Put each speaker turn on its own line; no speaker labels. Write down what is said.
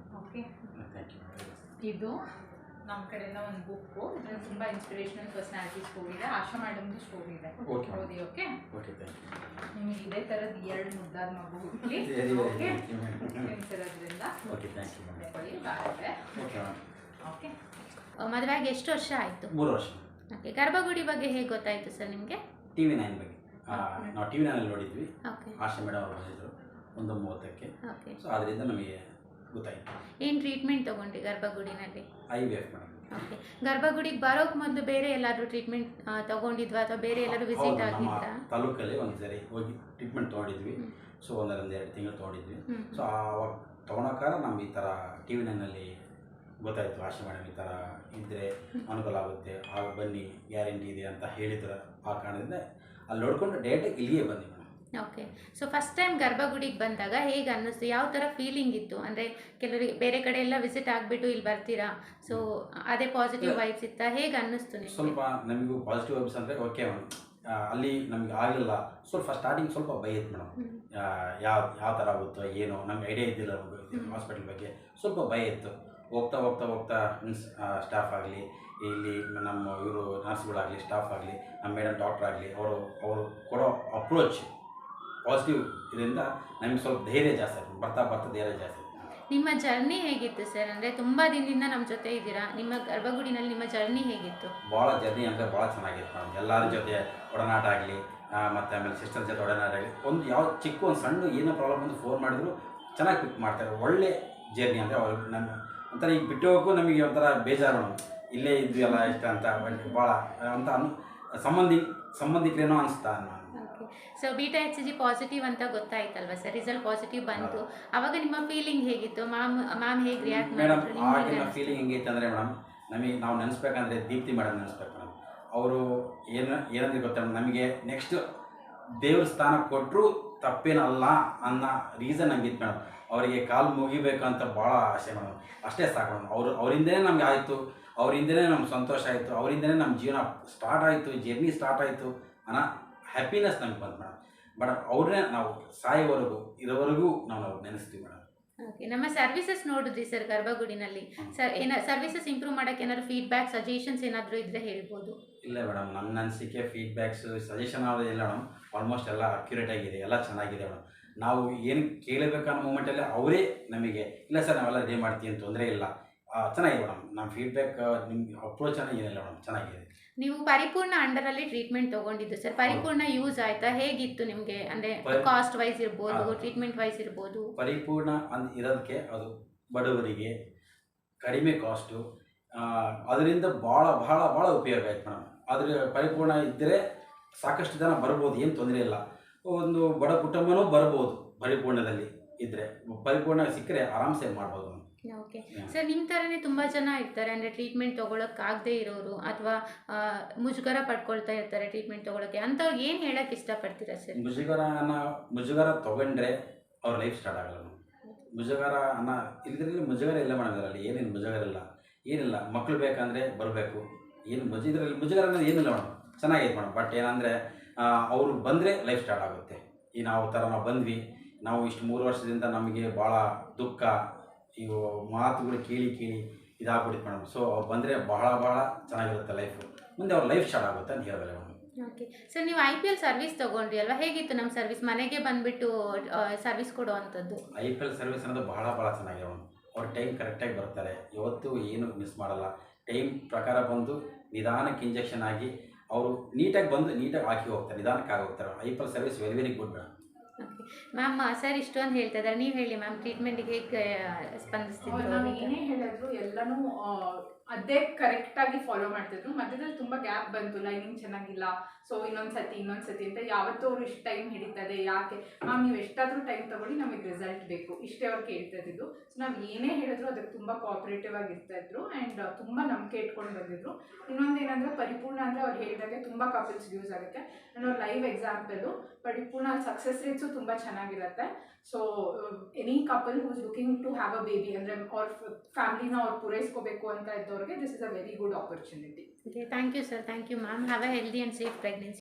Okay,
thank you.
ಇದು ನಮ್ಮ ಕಡೆಯಿಂದ ಒಂದು ಬುಕ್ಕು. ಇದರಲ್ಲಿ ತುಂಬ ಇನ್ಸ್ಪಿರೇಷನಲ್ ಪರ್ಸನಾಲಿಟಿ ಸ್ಟೋರಿ ಇದೆ. ಆಶಾ ಮೇಡಮ್ದು ಸ್ಟೋರಿ ಇದೆ.
ಓಕೆ
ಓದಿ. ಓಕೆ,
ಓಕೆ, ಥ್ಯಾಂಕ್
ನಿಮಗೆ ಇದೇ ಥರದ್ದು 2 ಮುದ್ದಾದ ಮಗು ಹುಟ್ಲಿ. ಓಕೆ, ನೆನ್ಸಿರೋದ್ರಿಂದ
ಓಕೆ, ಥ್ಯಾಂಕ್ ಯು ಮೇಡಮ್.
ತಗೊಳ್ಳಿ, ಬಾಳೆ.
Okay madam.
ಓಕೆ,
ಮದುವೆಗೆ ಎಷ್ಟು ವರ್ಷ ಆಯಿತು?
3 ವರ್ಷ.
ಓಕೆ, ಗರ್ಭಗುಡಿ ಬಗ್ಗೆ ಹೇಗೆ ಗೊತ್ತಾಯಿತು ಸರ್ ನಿಮಗೆ?
TV9 ಬಗ್ಗೆ ನಾವು TV9 ನೋಡಿದ್ವಿ.
ಓಕೆ
ಆಶಾ ಮೇಡಮ್ ಅವರು ಬಂದಿದ್ದರು 1:30ಕ್ಕೆ.
ಓಕೆ,
ಸೊ ಅದರಿಂದ ನಮಗೆ ಗೊತ್ತಾಯಿತು.
ಏನು ಟ್ರೀಟ್ಮೆಂಟ್ ತೊಗೊಂಡ್ರಿ ಗರ್ಭಗುಡಿನಲ್ಲಿ?
IVF madam.
ಓಕೆ, ಗರ್ಭಗುಡಿಗೆ ಬರೋಕ್ಕೆ ಮೊದಲು ಬೇರೆ ಎಲ್ಲಾದರೂ ಟ್ರೀಟ್ಮೆಂಟ್ ತೊಗೊಂಡಿದ್ವಾ ಅಥವಾ ಬೇರೆ ಎಲ್ಲರೂ ವಿಸಿಟ್
ನಮ್ಮ
ಆಗಿದ್ರಾ?
ತಾಲೂಕಲ್ಲಿ ಒಂದು ಸರಿ ಹೋಗಿ ಟ್ರೀಟ್ಮೆಂಟ್ ತೊಗೊಂಡಿದ್ವಿ. ಸೊ 1-2 ತಿಂಗಳು ತೊಗೊಂಡಿದ್ವಿ. ಸೊ ಆವಾಗ ತೊಗೊಳಕ್ಕಾರ ನಮ್ಗೆ ಈ ಥರ TV9ನಲ್ಲಿ ಗೊತ್ತಾಯಿತು. ಆಶಾ ಮೇಡಮ್ ಈ ಥರ ಇದ್ದರೆ ಅನುಕೂಲ ಆಗುತ್ತೆ, ಆಗ ಬನ್ನಿ, ಗ್ಯಾರಂಟಿ ಇದೆ ಅಂತ ಹೇಳಿದ್ರು. ಆ ಕಾರಣದಿಂದ ಅಲ್ಲಿ ನೋಡ್ಕೊಂಡು ಡೈರೆಕ್ಟಾಗಿ ಇಲ್ಲಿಗೆ ಬಂದೆ madam.
Okay, so first time ಗರ್ಭಗುಡಿಗೆ ಬಂದಾಗ ಹೇಗೆ ಅನ್ನಿಸ್ತು? ಯಾವ ಥರ ಫೀಲಿಂಗ್ ಇತ್ತು? ಅಂದರೆ ಕೆಲವರಿಗೆ ಬೇರೆ ಕಡೆ ಎಲ್ಲ ವಿಸಿಟ್ ಆಗಿಬಿಟ್ಟು ಇಲ್ಲಿ ಬರ್ತೀರಾ, ಸೊ ಅದೇ ಪಾಸಿಟಿವ್ ವೈಬ್ಸ್ ಇತ್ತಾ? ಹೇಗೆ ಅನ್ನಿಸ್ತು ನಿಮಗೆ?
ಸ್ವಲ್ಪ ನಮಗೂ ಪಾಸಿಟಿವ್ ವೈಬ್ಸ್ ಅಂದರೆ ಓಕೆ ಮೇಡಮ್. ಅಲ್ಲಿ ನಮಗೆ ಆಗಲಿಲ್ಲ, ಸ್ವಲ್ಪ ಸ್ಟಾರ್ಟಿಂಗ್ ಸ್ವಲ್ಪ ಭಯ ಇತ್ತು ಮೇಡಮ್. ಯಾವ ಥರ ಆಗುತ್ತೋ ಏನೋ ನಮ್ಗೆ ಐಡಿಯಾ ಇದ್ದಿಲ್ಲ ಹಾಸ್ಪಿಟಲ್ ಬಗ್ಗೆ, ಸ್ವಲ್ಪ ಭಯ ಇತ್ತು. ಹೋಗ್ತಾ ಹೋಗ್ತಾ ಹೋಗ್ತಾ ಮೀನ್ಸ್ ಸ್ಟಾಫ್ ಆಗಲಿ, ಇಲ್ಲಿ ನಮ್ಮ ಇವರು ನರ್ಸ್ಗಳಾಗಲಿ, ಸ್ಟಾಫ್ ಆಗಲಿ, ನಮ್ಮ ಮೇಡಮ್ ಡಾಕ್ಟ್ರ್ ಆಗಲಿ, ಅವರು ಕೊಡೋ ಅಪ್ರೋಚ್ ಪಾಸಿಟಿವ್ ಇದರಿಂದ ನಮಗೆ ಸ್ವಲ್ಪ ಧೈರ್ಯ ಜಾಸ್ತಿ ಆಯ್ತು. ಬರ್ತಾ ಬರ್ತಾ ಧೈರ್ಯ ಜಾಸ್ತಿ ಆಯ್ತು.
ನಿಮ್ಮ ಜರ್ನಿ ಹೇಗಿತ್ತು ಸರ್? ಅಂದರೆ ತುಂಬ ದಿನದಿಂದ ನಮ್ಮ ಜೊತೆ ಇದ್ದೀರಾ, ನಿಮ್ಮ ಗರ್ಭಗುಡಿನಲ್ಲಿ ನಿಮ್ಮ ಜರ್ನಿ ಹೇಗಿತ್ತು?
ಭಾಳ ಜರ್ನಿ ಅಂದರೆ ಭಾಳ ಚೆನ್ನಾಗಿತ್ತು ಮೇಡಮ್. ಎಲ್ಲರ ಜೊತೆ ಒಡನಾಟ ಆಗಲಿ, ಮತ್ತು ಆಮೇಲೆ ಸಿಸ್ಟರ್ ಜೊತೆ ಒಡನಾಟ ಆಗಲಿ, ಒಂದು ಯಾವ ಚಿಕ್ಕ ಒಂದು ಸಣ್ಣ ಏನೋ ಪ್ರಾಬ್ಲಮ್ ಅಂತ ಫೋನ್ ಮಾಡಿದ್ರು ಚೆನ್ನಾಗಿ ಪಿಕ್ ಮಾಡ್ತಾರೆ. ಒಳ್ಳೆ ಜರ್ನಿ ಅಂದರೆ ಅವ್ರು ನಮ್ಮ ಒಂಥರ ಈಗ ಬಿಟ್ಟು ಹೋಗೋಕ್ಕೂ ನಮಗೆ ಒಂಥರ ಬೇಜಾರು ಮೇಡಮ್. ಇಲ್ಲೇ ಇದ್ವಿ ಎಲ್ಲ ಇಷ್ಟ ಅಂತ ಭಾಳ ಅಂತ ಸಂಬಂಧಿಕರೇನೋ ಅನಿಸ್ತಾ ನಾನು.
Okay, so beta HCG positive ಅಂತ ಗೊತ್ತಾಯ್ತಲ್ವ ಸರ್? ರಿಸಲ್ಟ್ ಪಾಸಿಟಿವ್ ಬಂತು, ಅವಾಗ ನಿಮ್ಮ ಫೀಲಿಂಗ್ ಹೇಗಿತ್ತು? ಮ್ಯಾಮ್ ಹೇಗೆ ರಿಯಾಕ್ಟ್
ಮೇಡಮ್
ಮಾಡಿದ್ರು?
ಆಗಿನ ಫೀಲಿಂಗ್ ಹೆಂಗೈತೆ ಅಂದರೆ ಮೇಡಮ್, ನಮಗೆ ನಾವು ನೆನೆಸ್ಬೇಕಂದ್ರೆ ದೀಪ್ತಿ ಮೇಡಮ್ ನೆನೆಸ್ಬೇಕು ಮೇಡಮ್. ಅವರು ಏನಂದ್ರೆ ಗೊತ್ತಾ ನಮಗೆ ನೆಕ್ಸ್ಟ್ ದೇವ್ರ ಸ್ಥಾನ ಕೊಟ್ಟರು ತಪ್ಪೇನಲ್ಲ ಅನ್ನೋ ರೀಸನ್ ಹಂಗಿತ್ತು ಮೇಡಮ್. ಅವರಿಗೆ ಕಾಲು ಮುಗಿಬೇಕು ಅಂತ ಭಾಳ ಆಸೆ ಮೇಡಮ್. ಅಷ್ಟೇ ಸಾಕು ಮೇಡಮ್. ಅವರಿಂದನೇ ನಮ್ಗೆ ಆಯಿತು, ಅವರಿಂದನೇ ನಮ್ಗೆ ಸಂತೋಷ ಆಯಿತು, ಅವರಿಂದನೇ ನಮ್ಮ ಜೀವನ ಸ್ಟಾರ್ಟ್ ಆಯಿತು, ಜರ್ನಿ ಸ್ಟಾರ್ಟ್ ಆಯಿತು ಅನ್ನೋ ಹ್ಯಾಪಿನೆಸ್ ನಮ್ಗೆ ಬಂತು ಮೇಡಮ್. ಬಟ್ ಅವ್ರನ್ನೇ ನಾವು ಸಾಯೋವರೆಗೂ ಇರೋವರೆಗೂ ನಾವು ನೆನೆಸ್ತೀವಿ ಮೇಡಮ್.
ಓಕೆ, ನಮ್ಮ ಸರ್ವಿಸಸ್ ನೋಡಿದ್ರಿ ಸರ್ ಗರ್ಭಗುಡಿನಲ್ಲಿ? ಸರ್ ಸರ್ವಿಸಸ್ ಇಂಪ್ರೂವ್ ಮಾಡೋಕ್ಕೆ ಏನಾದ್ರು ಫೀಡ್ಬ್ಯಾಕ್, ಸಜೆಷನ್ಸ್ ಏನಾದರೂ ಇದ್ದರೆ ಹೇಳ್ಬೋದು?
ಇಲ್ಲ ಮೇಡಮ್, ನನ್ನ ಅನಿಸಿಕೆ ಫೀಡ್ಬ್ಯಾಕ್ಸ್ ಸಜೆಷನ್ ಯಾವುದೇ ಇಲ್ಲ ಮೇಡಮ್. ಆಲ್ಮೋಸ್ಟ್ ಎಲ್ಲ ಅಕ್ಯುರೇಟ್ ಆಗಿದೆ, ಎಲ್ಲ ಚೆನ್ನಾಗಿದೆ ಮೇಡಮ್. ನಾವು ಏನು ಕೇಳಬೇಕನ್ನೋ ಮೂಮೆಂಟಲ್ಲಿ ಅವರೇ ನಮಗೆ ಇಲ್ಲ ಸರ್ ನಾವೆಲ್ಲ ರೆಡಿ ಮಾಡ್ತೀವಿ ಅಂತ ತೊಂದರೆ ಇಲ್ಲ, ಚೆನ್ನಾಗಿದೆ ಮೇಡಮ್. ನಮ್ಮ ಫೀಡ್ಬ್ಯಾಕ್ ನಿಮ್ಗೆ ಅಪ್ರೋಚ್ ಏನಿಲ್ಲ ಮೇಡಮ್, ಚೆನ್ನಾಗಿದೆ.
ನೀವು ಪರಿಪೂರ್ಣ ಅಂಡರಲ್ಲಿ ಟ್ರೀಟ್ಮೆಂಟ್ ತೊಗೊಂಡಿದ್ದು ಸರ್, ಪರಿಪೂರ್ಣ ಯೂಸ್ ಆಯಿತಾ? ಹೇಗಿತ್ತು ನಿಮಗೆ? ಅಂದರೆ ಕಾಸ್ಟ್ ವೈಸ್ ಇರ್ಬೋದು, ಟ್ರೀಟ್ಮೆಂಟ್ ವೈಸ್ ಇರ್ಬೋದು?
ಪರಿಪೂರ್ಣ ಇರೋದಕ್ಕೆ ಅದು ಬಡವರಿಗೆ ಕಡಿಮೆ ಕಾಸ್ಟು, ಅದರಿಂದ ಭಾಳ ಭಾಳ ಭಾಳ ಉಪಯೋಗ ಆಯ್ತು ಮೇಡಮ್. ಆದರೆ ಪರಿಪೂರ್ಣ ಇದ್ದರೆ ಸಾಕಷ್ಟು ಜನ ಬರ್ಬೋದು, ಏನು ತೊಂದರೆ ಇಲ್ಲ. ಒಂದು ಬಡ ಕುಟುಂಬನೂ ಬರ್ಬೋದು ಪರಿಪೂರ್ಣದಲ್ಲಿ ಇದ್ದರೆ. ಪರಿಪೂರ್ಣ ಸಿಕ್ಕರೆ ಆರಾಮ್ಸೆ ಮಾಡ್ಬೋದು.
ಓಕೆ ಸರ್, ನಿಮ್ಮ ಥರನೇ ತುಂಬ ಜನ ಇರ್ತಾರೆ, ಅಂದರೆ ಟ್ರೀಟ್ಮೆಂಟ್ ತೊಗೊಳಕ್ಕಾಗದೇ ಇರೋರು ಅಥವಾ ಮುಜುಗರ ಪಡ್ಕೊಳ್ತಾ ಇರ್ತಾರೆ ಟ್ರೀಟ್ಮೆಂಟ್ ತೊಗೊಳಕ್ಕೆ. ಅಂಥವ್ರಿಗೆ ಏನು ಹೇಳೋಕ್ಕೆ ಇಷ್ಟಪಡ್ತೀರಾ ಸರ್?
ಮುಜುಗರ ತೊಗೊಂಡ್ರೆ ಅವ್ರ ಲೈಫ್ ಸ್ಟಾರ್ಟ್ ಆಗಲ್ಲ ಮೇಡಮ್. ಮುಜುಗರ ಇದ್ರಲ್ಲಿ ಮುಜುಗರ ಇಲ್ಲ ಮೇಡಮ್. ಇದರಲ್ಲಿ ಏನೇನು ಮುಜುಗರ ಇಲ್ಲ, ಏನಿಲ್ಲ. ಮಕ್ಕಳು ಬೇಕಂದರೆ ಬರಬೇಕು, ಏನು ಇದರಲ್ಲಿ ಮುಜುಗರ ಅನ್ನೋದು ಏನಿಲ್ಲ ಮೇಡಮ್. ಚೆನ್ನಾಗೈತೆ ಮೇಡಮ್. ಬಟ್ ಏನಂದರೆ ಅವರು ಬಂದರೆ ಲೈಫ್ ಸ್ಟಾರ್ಟ್ ಆಗುತ್ತೆ. ಈ ನಾವು ಬಂದ್ವಿ, ನಾವು ಇಷ್ಟು 3 ವರ್ಷದಿಂದ ನಮಗೆ ಭಾಳ ದುಃಖ, ಇವು ಮಾತುಗಳು ಕೇಳಿ ಇದಾಗ್ಬಿಡುತ್ತೆ ಮೇಡಮ್. ಸೊ ಅವ್ರು ಬಂದರೆ ಬಹಳ ಚೆನ್ನಾಗಿರುತ್ತೆ ಲೈಫು, ಮುಂದೆ ಅವ್ರ ಲೈಫ್ ಸ್ಟಾರ್ಟ್ ಆಗುತ್ತೆ ಅಂತ ಹೇಳಿದ್ರೆ ಮೇಡಮ್.
ಓಕೆ ಸರ್, ನೀವು IPL ಸರ್ವಿಸ್ ತೊಗೊಂಡ್ರಿ ಅಲ್ವಾ? ಹೇಗಿತ್ತು ನಮ್ಮ ಸರ್ವಿಸ್? ಮನೆಗೆ ಬಂದುಬಿಟ್ಟು ಸರ್ವಿಸ್ ಕೊಡೋ ಅಂಥದ್ದು.
IPL ಸರ್ವಿಸ್ ಅನ್ನೋದು ಬಹಳ ಚೆನ್ನಾಗಿದೆ ಮೇಡಮ್. ಅವ್ರ ಟೈಮ್ ಕರೆಕ್ಟಾಗಿ ಬರ್ತಾರೆ, ಯಾವತ್ತೂ ಏನು ಮಿಸ್ ಮಾಡಲ್ಲ. ಟೈಮ್ ಪ್ರಕಾರ ಬಂದು ನಿಧಾನಕ್ಕೆ ಇಂಜೆಕ್ಷನ್ ಆಗಿ ಅವರು ನೀಟಾಗಿ ಬಂದು ನೀಟಾಗಿ ಹಾಕಿ ಹೋಗ್ತಾರೆ, ನಿಧಾನಕ್ಕೆ ಆಗಿ ಹೋಗ್ತಾರೆ. IPL service very good madam.
Okay ma'am, sir ಇಷ್ಟೊಂದು ಹೇಳ್ತಾ ಇದ್ದಾರೆ, ನೀವು ಹೇಳಿ ಮ್ಯಾಮ್, ಟ್ರೀಟ್ಮೆಂಟ್ಗೆ ಹೇಗೆ ಸ್ಪಂದಿಸ್ತಿದ್ರು?
ನಾವು ಏನೇ ಹೇಳಿದ್ರು ಎಲ್ಲನೂ ಅದೇ ಕರೆಕ್ಟಾಗಿ ಫಾಲೋ ಮಾಡ್ತಿದ್ರು. ಮಧ್ಯದಲ್ಲಿ ತುಂಬ ಗ್ಯಾಪ್ ಬಂತು, ಲೈನಿಂಗ್ ಚೆನ್ನಾಗಿಲ್ಲ, ಸೊ ಇನ್ನೊಂದು ಸತಿ ಅಂತ ಯಾವತ್ತೂ ಅವರು ಇಷ್ಟು ಟೈಮ್ ಹಿಡಿತದೆ, ಯಾಕೆ ಮ್ಯಾಮ್ ನೀವು ಎಷ್ಟಾದರೂ ಟೈಮ್ ತೊಗೊಳ್ಳಿ, ನಮಗೆ ರಿಸಲ್ಟ್ ಬೇಕು, ಇಷ್ಟೇ ಅವ್ರು ಕೇಳ್ತಿದ್ದು. ಸೊ ನಾವು ಏನೇ ಹೇಳಿದ್ರು ಅದಕ್ಕೆ ತುಂಬ ಕೋಆಪ್ರೇಟಿವ್ ಆಗಿ ಇರ್ತಾಯಿದ್ರು ಆ್ಯಂಡ್ ತುಂಬ ನಂಬಿಕೆ ಇಟ್ಕೊಂಡು ಬಂದಿದ್ರು. ಇನ್ನೊಂದು ಏನಂದರೆ ಪರಿಪೂರ್ಣ ಅಂದರೆ ಅವ್ರು ಹೇಳಿದಾಗೆ ತುಂಬ ಕಪಲ್ಸ್ಗೆ ಯೂಸ್ ಆಗುತ್ತೆ. ಆ್ಯಂಡ್ ಅವ್ರ live example Paripoorna success rates ತುಂಬ ಚೆನ್ನಾಗಿರುತ್ತೆ. So any couple who is looking to have a baby ಅಂದರೆ ಅವ್ರ ಫ್ಯಾಮಿಲಿನ ಅವ್ರು ಪೂರೈಸ್ಕೋಬೇಕು ಅಂತ ಇದ್ದವ್ರಿಗೆ this is a very good opportunity.
Okay, thank you sir, thank you ma'am. Have a healthy and safe pregnancy.